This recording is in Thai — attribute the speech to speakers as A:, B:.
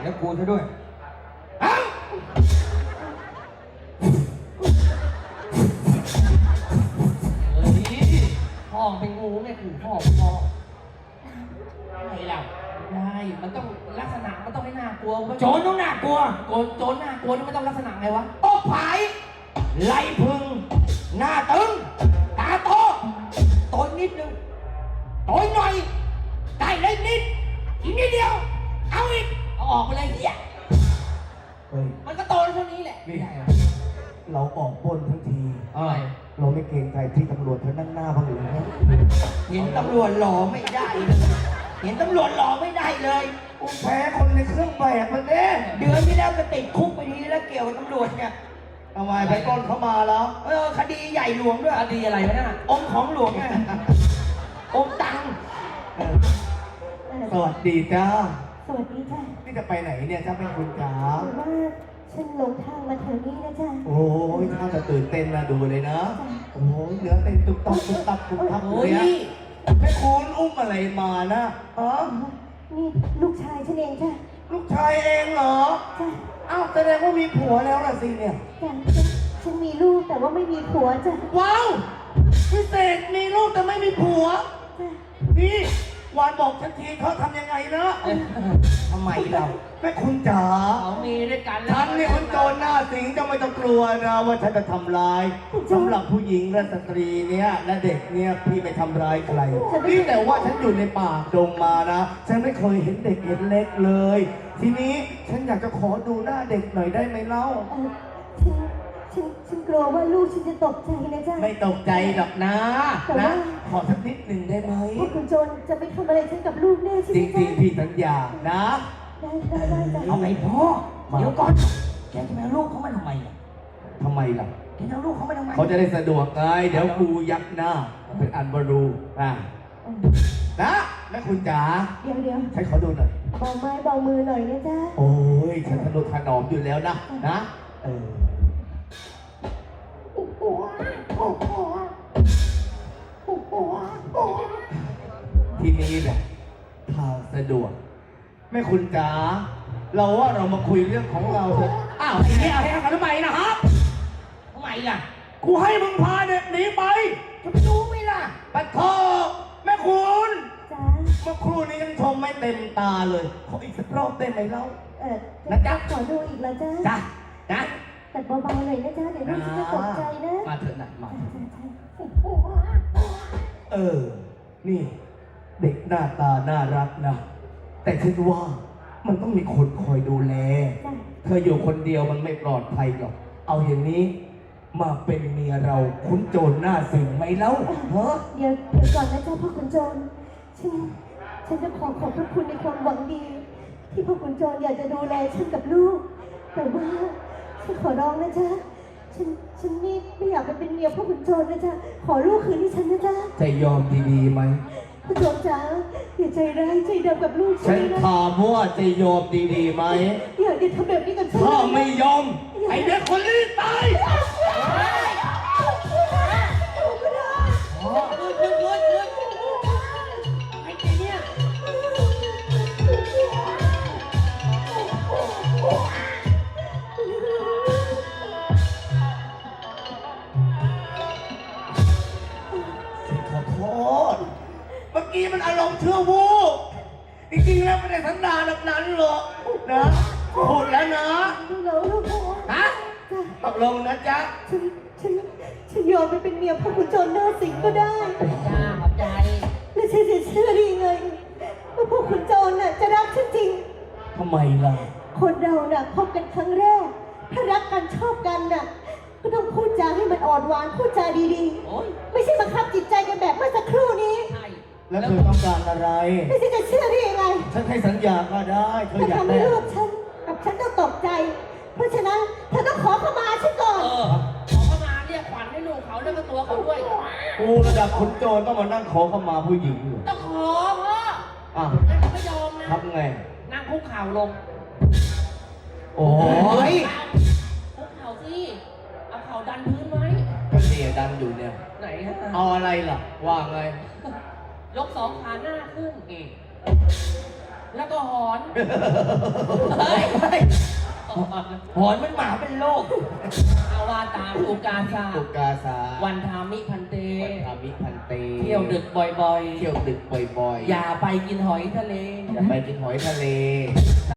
A: แล้วกูซะด้วยเอ้า
B: พ่อเป็นงูไงคือพ่อไม่หรอกได้มันต้องลักษณะมันต้องให้น่ากลัวโจรต้องน่ากลัวโจรน่ากลัวนี่มันต้องลักษณะไงวะอกผายไหลพึงหน้าตึงตาโตโตนิดนึงโตหน่อยได้เล็กนิดอีกนิดเดียวเอาอีกเอาออกไปเลยเฮีย
C: เฮ้ย
B: มันก็โตเท่านี้แหละ
C: นี่เราออกปล้นทั้งที
B: อะไร
C: เราไม่เกรงใจที่ตำรวจเธอนั่งหน้าบ้างหรือไง
B: เห็นตำรวจหล่อไม่ได้เลยเห็นตำรวจหล่อไม่ได้เลย
C: กูแพ้คนในเครื่องแบบมันเด้
B: เดือนที่แล้วก็ติดคุกไปทีแล้วเกี่ยวกับตำรวจเนี่ย
C: ทำไมไปปล้นเขามาแล้ว
B: คดีใหญ่หลวงด้วยคดีอะไรวะน่ะองค์ของหลวงไงองค์ตัง
C: สวัสดีจ้า
D: สวัสดีจ้ะ
C: นี่จะไปไหนเนี่ยจ้าเป็นคุณจ๋า
D: คือว่าฉันหลงทางมาแถวนี้นะจ๊ะ
C: โอ้ยถ้าจะตื่นเต้นนะดูเลยนะโอ้ยเนื้อเต้นตุ๊บตับตุ๊บตับตุ๊บตับเลยอะแม่คุณอุ้มอะไรมานะฮะ
D: นี่ลูกชายฉันเองจ้ะ
C: ลูกชายเองเหรอ
D: จ้ะ
C: อ้าวแสดงว่ามีผัวแล้วล่ะสิเนี่ย
D: จ้ะฉันมีลูกแต่ว่าไม่มีผัวจ้ะ
C: ว้าวพิเศษมีลูกแต่ไม่มีผัว
D: จ้ะ
C: นี่วานบอกฉันทีเขาทำยังไงนะ
B: ทำไมเรา
C: แม่คุณจ๋า
B: เขามีด้วยกัน
C: ฉันนี่คุณโจรหน้าสิงจะไม่ต้องกลัวนะว่าฉันจะทำร้ายสำหรับผู้หญิงและสตรีเนี่ยและเด็กเนี่ยพี่ไม่ทำร้ายใครนี่แต่ว่าฉันอยู่ในป่าดงมานะฉันไม่เคยเห็นเด็กเห็นเล็กเลย ทีนี้ฉันอยากจะขอดูหน้าเด็กหน่อยได้ไหมเล่า
D: ฉันกลัวว่าลูกฉันจะตกใจนะจ๊ะ
C: ไม่ตกใจหรอกนะนะขอสักนิดหนึ่งได้ไหม
D: พวกคุณโจรจะไม่ทำอะไรฉันกับลูกแน่ใช่ไห
C: จ
D: ม
C: ริ
D: จ๊ะ
C: งๆพี่สัญญานะ
D: ได้จ้ะ
B: เอาไงพ่อเดี๋ยวก่อนแกจะไปเอาลูกเขามาทำไมอ่ะ
C: ทำไมล่ะ
B: แกจะเอาลูกเขามาทำไม
C: เขาจะได้สะดวกไงเดี๋ยวกูยักหน้าเป็นอันบรูนะแม่คุณจ๋า
D: เดี๋ยว
C: ใช้ขอดูหน่อย
D: เบาไม้เบามือหน่อยนะจ๊ะ
C: โอ้ยฉันทนุถนอมอยู่แล้วนะทีนี้แหละทางสะดวกแม่คุณจ๋าเราว่าเรามาคุยเรื่องของเราเถอะ
B: อ้าวไอ้เนี่ยเอาให้กันทำไมนะครับทำไมล่ะ
C: กูให้มึงพาเด็กหนีไป
B: จะไปรู้ไหมล่ะ
C: ปัดคอแม่คุณ
D: จ้ะ
C: เมื่อครู่นี้ยังชมไม่เต็มตาเลยขออีกสักรอบได้ไหมเล่า
D: นะจ๊ะขอดูอีกแล้วจ้ะ
B: จ้ะนะ
D: แต่เบาๆหน่อยนะจ๊ะเดี๋ยวลูกฉันจะตกใจนะ
B: มาเถอะนะมา
C: นี่ เด็กหน้าตาน่ารักนะ แต่ฉันว่ามันต้องมีคนคอยดูแล
D: จ้ะ
C: เธออยู่คนเดียวมันไม่ปลอดภัยหรอก เอาอย่างนี้มาเป็นเมียเราคุ้นโจรหน้าสิงไหมเล่าฮะ
D: เดี๋ยวก่อนนะจ๊ะพ่อขุนโจรฉันจะขอบพระคุณในความหวังดี ที่พ่อขุนโจรอยากจะดูแลฉันกับลูก แต่ว่าฉันขอร้องนะจ๊ะฉันไม่อยากไปเป็นเมียพ่อขุนโจรนะจ๊ะขอลูกคืนที่ฉันนะจ๊ะ
C: จะยอมดีๆไหม
D: ขุนโจรจ๋าอย่าใจร้ายใจดำกับลูก
C: ฉั
D: ฉั
C: น
D: นนะ
C: ถามว่าจะยอมดีๆไหม
D: อย่าทำแบบนี้กับฉัน
C: ถ้าไม่ยอม ไอเด็กคนนี้ตาย
B: อ๋อเงินไอ้เนี่ย
C: ขอโทษ เมื่อกี้มันอารมณ์ชั่ววูบจริงๆแล้วไม่ได้สันดานแบบนั้นหรอกนะพูดแล้วนะ
D: ลูก
C: ฮะตกลงนะจ๊ะ
D: ฉันยอมไปเป็นเมียพ่อขุนโจรหน้าสิงก็ได้
B: จ้าขอบใจ
D: และฉันจะเชื่อได้ยังไงว่าพวกขุนโจรน่ะจะรักฉันจริง
C: ทำไมล่ะ
D: คนเราน่ะพบกันครั้งแรก ถ้ารักกันชอบกันน่ะก็ต้องพูดจาให้มันอ่อนหวานพูดจาดี
B: โอ้ย
D: ๆ ไม่ใช่บังคับจิตใจกันแบบเมื่อสักครู่นี้
B: ใช่
C: แล้วเธอต้องการอะไร
D: ไม่ใช่จะเชื่อได้ยังไง
C: ฉันให้สัญญาก็ได้ เธอ
D: ถ้า
C: อยาก
D: ทำ
C: ได้
D: ให้ลูกฉันกับฉันต้องตกใจ เพราะฉะนั้นเธอต้องขอเข้ามาฉันก่อน
B: ขอเข้ามาเรียกขวัญให้ลูกเขาแล้วก็ตัวเขาด้วย
C: กูระดับขุนโจรต้องมานั่งขอเข้ามาผู้หญิงอยู่
B: ต้องขอพ่อ
C: อ่ะ
B: งั้นเขาไม่ยอมนะ
C: ทำไง
B: นั่งคุกเข่าลง
C: โอ้ย
B: คุกเข่าสิเอาเข่าดันพื้นไว้
C: ก็เสียดันอยู่เนี่ย
B: ไหนฮะ
C: เอาอะไรล่ะ ว่าไง
B: ยกสองขาหน้าขึ้นแล้วก็หอนเฮ้ยหอนมันหมาเป็นโรคเอาว่าตามอุกาซา
C: อุกาสา
B: วันทามิพันเต
C: วันทามิพันเต
B: เที่ยวดึกบ่อยๆ
C: เที่ยวดึกบ่อยๆ
B: อย่าไปกินหอยทะเล
C: อย่าไปกินหอยทะเล